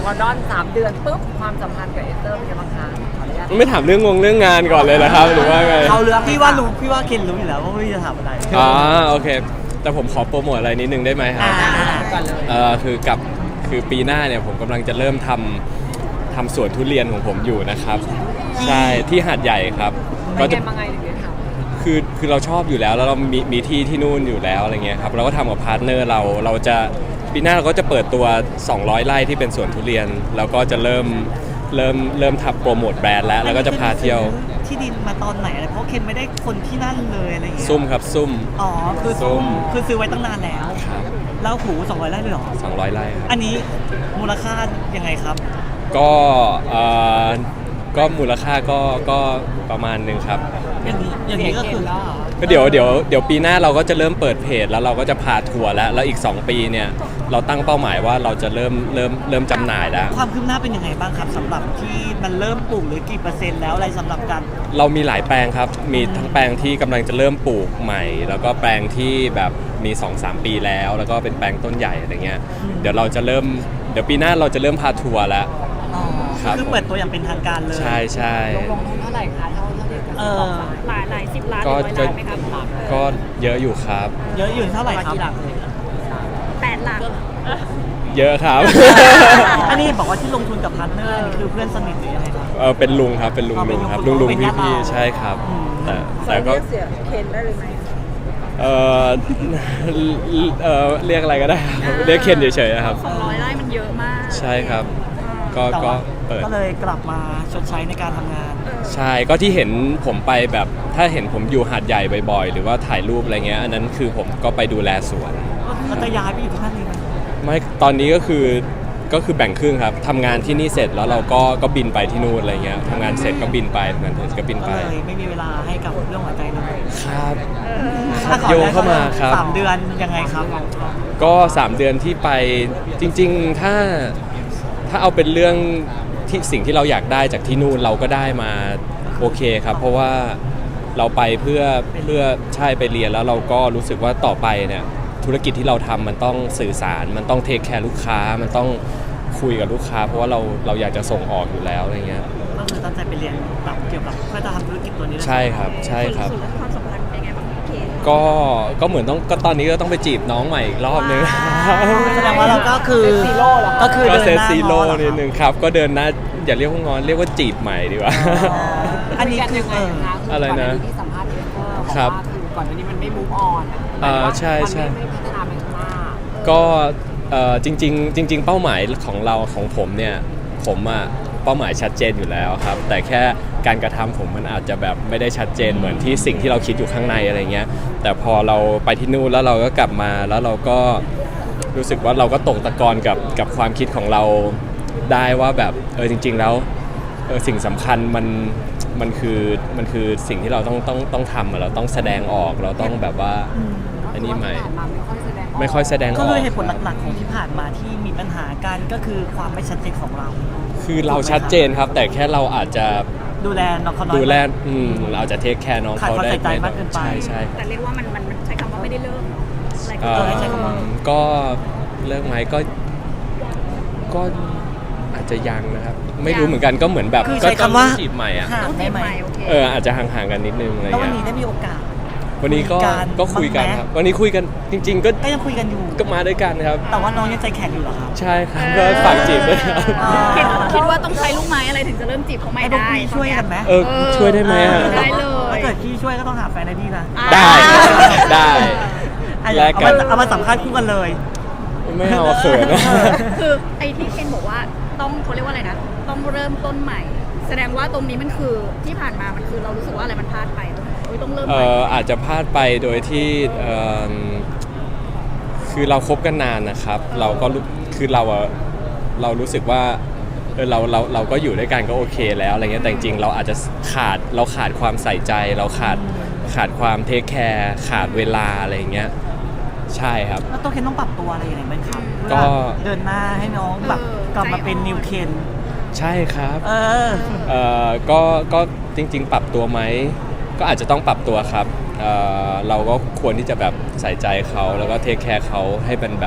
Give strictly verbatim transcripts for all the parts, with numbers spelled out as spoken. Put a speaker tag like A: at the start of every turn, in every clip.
A: ลอนดอนสามเดือนปุ๊บความสัมพันธ์กับเอสเตอร์เป็นยังไงบ้างคะขออนุญาต
B: ไม่ถามเรื่องงงเรื่องงานก่อนเลยนะครับหรือว่าไง
C: เขาเรื่องพี่ว่ารู้พี่ว่าเคนรู้อยู่แล้วว่าพี่จะถามอะไร
B: อ๋อโอเคแต่ผมขอโปรโมทอะไรนิดนึงได้ไหมครับ
C: อ่า
A: ก่อนเลย
B: เอ่อคือกับคือปีหน้าเนี่ยผมกำลังจะเริ่มทำทำสวนทุเรียนของผมอยู่นะครับใช่ที่หาดใหญ่ครับ
A: เป็
B: ก็
A: น
B: จะ
A: ไงมาไงถึงได้ทำ
B: คือคือเราชอบอยู่แล้วแล้วเรามีมีที่ที่นู่นอยู่แล้วอะไรเงี้ยครับเราก็ทำกับพาร์ทเนอร์เราเราจะปีหน้าเราก็จะเปิดตัวสองร้อยไร่ที่เป็นสวนทุเรียนแล้วก็จะเริ่มเริ่มเริ่มทำโปรโมทแบรนด์แล้วแล้วก็จะพาเที่ยว
C: ที่ดินมาตอนไหนอะไรเพราะเคนไม่ได้คนที่นั่นเลยอะไรอย่างเงี้ย
B: ซุ่มครับซุ่ม
C: อ๋อคือ
B: ซุ่ม
C: คือซื้อไว้ตั้งนานแล้ว
B: ครับ
C: แล้วหูสองร้อยไร่เลยเหรอ
B: สองร้อยไร่ครับ
C: อันนี้มูลค่ายังไงครับ
B: ก็เอ่อก็มูลค่าก็ก็ประมาณหนึ่งครับ
C: อย่างนี้อย่างนี้ก็คือ
A: แล้วเหรอ
B: ก็เดี๋ยวเดี๋ยวเดี๋ยวปีหน้าเราก็จะเริ่มเปิดเพจแล้วเราก็จะพาทัวร์แล้วแล้วอีกสองปีเนี่ยเราตั้งเป้าหมายว่าเราจะเริ่มเริ่มเริ่มจำหน่ายแล้ว
C: ความคืบหน้าเป็นยังไงบ้างครับสำหรับที่มันเริ่มปลูกหรือกี่เปอร์เซ็นต์แล้วอะไรสำหรับการ
B: เรามีหลายแปลงครับ มีทั้งแปลงที่กำลังจะเริ่มปลูกใหม่ แล้วก็แปลงที่แบบมี สองสาม ปีแล้ว แล้วก็เป็นแปลงต้นใหญ่อะไรเงี้ย เดี๋ยวเราจะเริ่ม เดี๋ยวปีหน้าเราจะเริ่มพาทัวร์แล้ว
C: อ๋อ
B: ครับ
C: คือเปิดตัวอย่างเป็นทางการเลย
B: ใช่ใช่
A: ลงลงทุนเท่าไหร่คะเท่าเท่าที่
C: เออ
D: หลายหลายสิบล้านห
B: ก็
D: รือร้อยล้านไหมครับ
B: ก็เยอะอยู่ครับ
C: เยอะอยู่เท่าไหร่ครับ
A: กี่หลักเลย
D: แปดหลัก
B: เยอะครับ
C: อันนี้บอกว่าที่ลงทุนกับพาร์ทเนอร์นี่คือเพื่อนสนิทหรือยังไงครับ
B: เออเป็นลุงครับ เป็นลุง
C: อ๋อเป็
B: ลุ
C: น
B: ง
C: ลุง
B: ครับ
C: คุณ
B: ลุงลุง
C: เป็น
B: พี่
C: ญาติ
B: พี่
C: เรา
B: ใช่ครับ
C: อืม
B: แต่แต่ก็
A: เสียเคนได้เลยไหม
B: เออเออเรียกอะไรก็ได้ครับเรียกเคนเฉยๆครับ
D: สองร้อยไร่มันเยอะมาก
B: ใช่ครับ ก็
C: แต่
B: ก็
C: ว่า
B: เปิด
C: ก็เลยกลับมาชดใช้ในการทำงาน
B: ใช่ ก็ที่เห็นผมไปแบบถ้าเห็นผมอยู่หาดใหญ่บ่อยๆ หรือว่าถ่ายรูปอะไรเงี้ย อันนั้นคือผมก็ไปดูแลสวน
C: ก็จะย้ายไปอยู่ที่นั่นเลยไหม
B: ไม่ตอนนี้ก็คือก็คือแบ่งครึ่งครับทำงานที่นี่เสร็จแล้วเราก็ก็บินไปที่นู่นอะไรเงี้ยทำงานเสร็จก็บินไปทำงานเสร็จก็บิน
C: ก็
B: ไป
C: เลยไม่มีเวลาให้กับเรื่องหัวใจเลย
B: ครับ
C: ถ้าขอ
B: โยงเข้ามาครับ
C: สามเดือนยังไงครับ
B: ก็สามเดือนที่ไปจริงๆถ้าถ้าเอาเป็นเรื่องที่สิ่งที่เราอยากได้จากที่นู่นเราก็ได้มาโอเคครับ เพราะว่าเราไปเพื่อเพื่อใช่ไปเรียนแล้วเราก็รู้สึกว่าต่อไปเนี่ยธุรกิจที่เราทำมันต้องสื่อสาร มันต้องเทคแคร์ลูกค้ามันต้องคุยกับลูกค้า เพราะว่าเราเราอยากจะส่งออกอยู่แล้วอะไรเงี้ย
C: ก็คือตั้งใจไปเรียนแบบเกี่ยวกับเพื่อจะทำธุรกิจตัวนี้เลย
B: ใช่ครับใช่ครับ
D: ส่วนเรื่องความสัมพันธ์เป็นไงบ้างพี่เคน
B: ก็ก็เหมือนต้องก็ตอนนี้ก็ต้องไปจีบน้องใหม่อีกรอบนึง
C: แสดงว่าเราก็คือ
A: เซตซีโร่เหรอ
C: ก็คือ
B: ก็
C: เดิน
B: เซต
C: หน้า
B: ซีโร่
C: ง้อเหรอ
B: นิดนึงครับก็เดินหน้าอย่าเรียกว่างอนเรียกว่าจีบใหม่ดีกว่า
C: อ๋ออันนี้คือ
A: ยังไง
C: เออ
A: คะ
B: อะไรนะ
A: ก่หาที่สัมภาษณ์เอสเตอร์บอก
B: ครับ
A: ว่าคือก่อนหน้านี้มันไม่ move on
B: อ่าใช่ใช่
A: มันไม่ไม่พัฒนาไปข้างหน้า
B: ก็เอ่อจริงๆจริง ๆ เป้าหมายของเราของผมเนี่ยผมอะเป้าหมายชัดเจนอยู่แล้วครับ แต่แค่การกระทำผมมันอาจจะแบบไม่ได้ชัดเจนเหมือนที่สิ่งที่เราคิดอยู่ข้างในอะไรเงี้ยแต่พอเราไปที่นู่นแล้วเราก็กลับมาแล้วเราก็รู้สึกว่าเราก็ตกตะกอนกับกับความคิดของเราได้ว่าแบบเออจริง ๆ แล้วเออสิ่งสำคัญมันมันคือมันคือสิ่งที่เราต้องต้องต้องทำอะเราต้องแสดงออกเราต้องแบบว่าอันนี้ใหม่
A: ที่ผ่านมาไม่ค่อยแสดงก
B: ไม่ค่อยแสดงอ
C: ก็
B: อก
C: คือเหตุผลหลักๆของที่ผ่านมาที่มีปัญหากันก็คือความไม่ชัดเจนของเรา
B: คือเราชัดเจนครับ แต่แค่เราอาจจะ
C: ดูแลน้องเขาน้อย
B: ดูแลอืมเราอาจจะเทคแคร์น้องเขาได้
C: ขาดความใส่ใจมากเกินไป
B: ใช่ใช่
D: แต่เรียกว่ามันมันมันใช้คำว่าไม่ได้เริ่มเนาะอะไรก็
B: เอ่
C: เอ
B: อ
C: อให้ใช้คำว่า
B: ก็เลิกไหมก็ก็อาจจะยังนะครับ ไม่รู้เหมือนกันก็เหมือนแบบ
C: คือ
B: ก็
C: ใช้คำว่า
B: ต้องจีบใหม่อ่ะ
C: ห่าง
D: ต้อง
C: ได้
D: จีบ
C: ไหม
D: ใหม่โอเค
B: เอออาจจะห่างๆกันนิดนึงอะไร
C: แล้ววัน
B: เงี้ย
C: นี้ได้มีโอกาส
B: วันนี้ก็
C: คุยกัน
B: ก็คุยกัน
C: บ้างไหม
B: ครับวันนี้คุยกันจริง ๆ ก็
C: ก็ยังคุยกันอยู่
B: ก็มาด้วยกันครับ
C: แต่ว่าน้องยังใจแข็งอยู่เหรอครับ
B: ใช่ครับก็ฝากจีบด้วยครับ
C: อ๋อ
D: คิดคิดว่าต้องใช้ลูกไม้อะไรถึงจะเริ่มจีบเขาไม่
C: ให้พวก
D: ได้
C: พี่ช่วยกันไหม
B: เออช่วยได้ไหมอะ
D: ได้เลย
C: ถ้าเกิดพี่ช่วยก็ต้องหาแฟนให้พี่นะ
B: ได้ได้
C: อ่ะ
B: แลก
C: เอา
B: กั
C: มาน เอามาสัมภาษณ์คู่กันเลย
B: ไม่เอาเขินนะ
D: คือไอ้ที่เคนบอกว่าต้องเขาเรียกว่าอะไรนะ ต้องเริ่มต้นใหม่ แสดงว่าตรงนี้มันคือที่ผ่านมามันคือเรารู้สึกว่าอะไรมันพลาดไปโอ้ยต้องเริ่ม
B: เอ่
D: ใหม่
B: ออาจจะพลาดไปโดยที่เอิ่มคือเราคบกันนานนะครับ เราก็รู้คือเราอะเรารู้สึกว่าเออเราเราเราก็อยู่ด้วยกันก็โอเคแล้วอะไรเงี้ยแต่จริงๆเราอาจจะขาดเราขาดความใส่ใจ เราขาดขาดความเทคแคร์ขาดเวลาอะไรเงี้ยใช่ครับ
C: แล้วตัวเคนต้องปรับตัวอะไรยังไงบ้างครับ
B: ก็
C: เพื่อเดินหน้าให้น้องแบบกลับมาเป็นนิวเคน
B: ใช่ครับ
C: เออ
B: เอ่อก็ก็จริง ๆ ปรับตัวไหมก็อาจจะต้องปรับตัวครับเอ่อเราก็ควรที่จะแบบใส่ใจเขาแล้วก็เทคแคร์เขาให้เป็นแบบ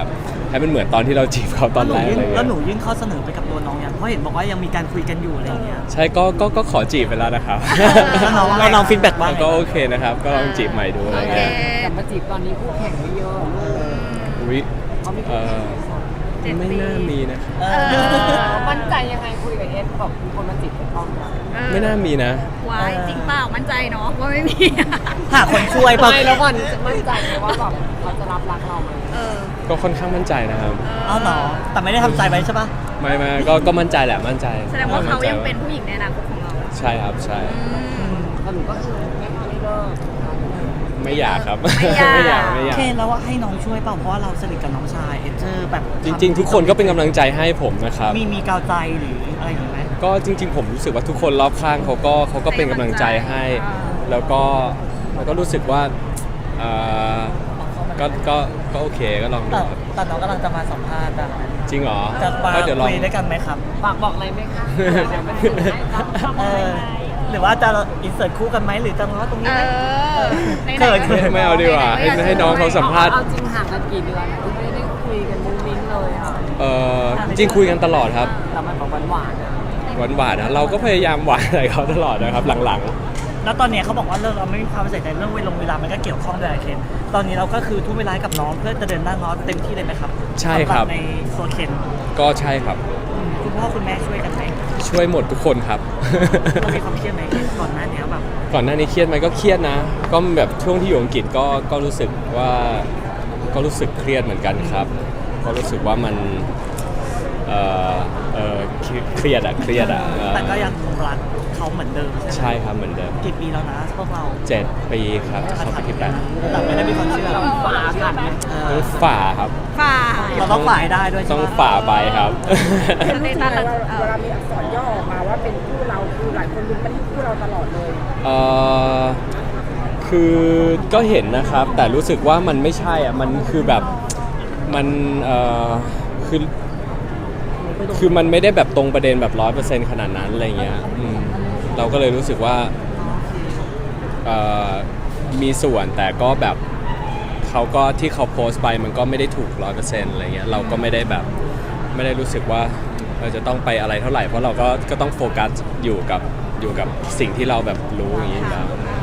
B: ให้มันเหมือนตอนที่เราจีบเขาตอนแรกอะไร
C: แล้วหนู
B: เงี้ย
C: ยื่นข้อเสนอไปกับตัวน้องยังเพราะเห็นบอกว่ายังมีการคุยกันอยู่อะไรอย่างเงี้ย
B: ใช่ก็ก็ก็ขอจีบไปแล้วนะครับ
C: แล้วน้องแล้วน้องฟีดแบ็กว่าไง
B: ก็โอเคนะครับ ก็ลองจีบใหม่ดูอะไร
D: โอเค
B: เงี้ย
A: แต่มาจีบตอนนี้คู่แข่งไม่เยอะ
B: อุ๊ย
A: เขามี
B: เอ
A: คู่แข่ง
B: อ
D: เจ็ด
B: ไม่
D: ปี
B: น่ามีนะครับ
C: เอ
D: เอ
C: อ
D: อ
A: มั่นใจยังไงคุยกับเอสแบบมีคนมาจีบเป็นต้องนะ
B: ไม่น่ามีนะ
D: วายจริงเปล่ามั่นใจเนาะว่าไม่มี
C: หาคนช่วยเปล่ะ
A: ไม่แล้วก่อนจะมั่นใจไหมว่าแบบเขาจะรับรักเราไหม
D: เออ
B: ก็ค่อนข้างมั่นใจนะครับ
C: เอาเหรอแต่ไม่ได้ทำใจไว้ใช่ปะ
B: ไม่ไม่ก็ก็มั่นใจแหละมั่นใจ
D: แสดงว่าเขา
B: มั่นใจ
D: ยังเป็นผู้หญิงในอนาคตของเรา
B: ใช่ครับใช่
A: สรุปก็คือไม่พอไม่เลิก
B: ไม่อยากครับ
D: ไม่อยาก
B: ไม่อยาก
C: เคนแล้วว่าให้น้องช่วยเปล่าเพราะว่าเราสนิทกับน้องชายเอเจอร์แบบ
B: จริง ๆ ทุกคนก็เป็นกำลังใจให้ผมนะครับ
C: มีมีกาวใจหรืออะไรอย่างเงี้ยไหม
B: ก็จริง ๆ ผมรู้สึกว่าทุกคนรอบข้างเขาก็เขาก็เป็นกำลังใจให้ แล้วก็แล้วก็รู้สึกว่าเอ่อก็ก็ก็โอเคก็ลองดู
C: แต่
B: ครับ
C: แต่น้องกำลังจะมาสัมภาษณ์อะ
B: จริงเหรอ
C: จะมา
B: ก็เดี๋ยวลอง
C: คุยด้วยกันไหมครับ
A: ฝากบอกอะไรไหมคะเดี๋ยวมันถึงให้รับ
C: เออหรือว่าจะอินเสิร์ตคู่กันไหมหรือจะมาว่าตรงนี้
D: เอ
C: ไหม
D: อ
C: เขิน
B: ไม่ไม่เอาดีกว่าให้ให้น้องเขาสัมภาษณ์
A: เอาจริงห่างกันกี่เดือนที่ไม่ได้คุยกันมุ้งมิ้งเลยค่ะ
B: เออจริงๆคุยกันตลอดครับ
A: แต่มันแบบหวานๆอะ
B: หวานหวานๆนะเราก็พยายามหวานอะไรเขาตลอดนะครับหลัง
C: แล้วตอนเนี้ยเขาบอกว่าเรื่องเราไม่มีความใส่ใจเรื่องเวลาเวลามันก็เกี่ยวข้องด้วยอะเคนตอนนี้เราก็คือทุ่มเวลาให้กับน้องเพื่อจะเดินหน้าน้องเต็มที่เลยไหมครับ
B: ใช่ครับ
C: สำหในตัวเคน
B: ๆก็ใช่ครับ
C: อืมคุณพ่อคุณแม่ช่วยกันไหม
B: ช่วยหมดทุกคนครับ
C: เรามีความเครียดไหมเคนก่อนหน้านี้แบบ
B: ก่อนหน้านี้เครียดไหมก็เครียดนะ ก็แบบช่วงที่อยู่อังกฤษก็ก็รู้สึกว่าก็รู้สึกเครียดเหมือนกันครับ ก็รู้สึกว่ามันเออเออเครียดอะเครียดอะเออ
C: แต่ก็ยังรักเขาเหมือนเดิมใช่ไหม
B: ใช่ครับเหมือนเดิม
C: กี่ปีแล้วนะพวกเรา
B: เจ็ดปีครับจะเข้าปีที่แปด
C: แต่ไม่ได้มีความเชื่อ
A: ฝาผ่านไหม
C: เอ
B: ต้อ
C: อง
B: ฝ่าครับ
D: ฝ่า
C: เราต้องฝ่ายได้ด้วยใช่
B: ต้อง
C: ไหม
B: ฝ่าไปครับ
D: สเตตัสเราเอ
E: เว
D: อ
E: ลามีอักษรย่อออกมาว่าเป็นคู่เราคือหลายคนลุ้นไปที่คู่เราตลอดเลย
B: เออคือก็เห็นนะครับ แต่รู้สึกว่ามันไม่ใช่อ่ะมันคือแบบมันเออคือคือมันไม่ได้แบบตรงประเด็นแบบร้อยเปอร์เซ็นต์ขนาดนั้นอะไรเงี้ยอืมเราก็เลยรู้สึกว่าเออมีส่วนแต่ก็แบบเขาก็ที่เขาโพสต์ไปมันก็ไม่ได้ถูกร้อยเปอร์เซ็นต์อะไรเงี้ยเราก็ไม่ได้แบบไม่ได้รู้สึกว่าเราจะต้องไปอะไรเท่าไหร่เพราะเราก็ก็ต้องโฟกัสอยู่กับอยู่กับสิ่งที่เราแบบรู้อย่างนี้อยู่แล้ว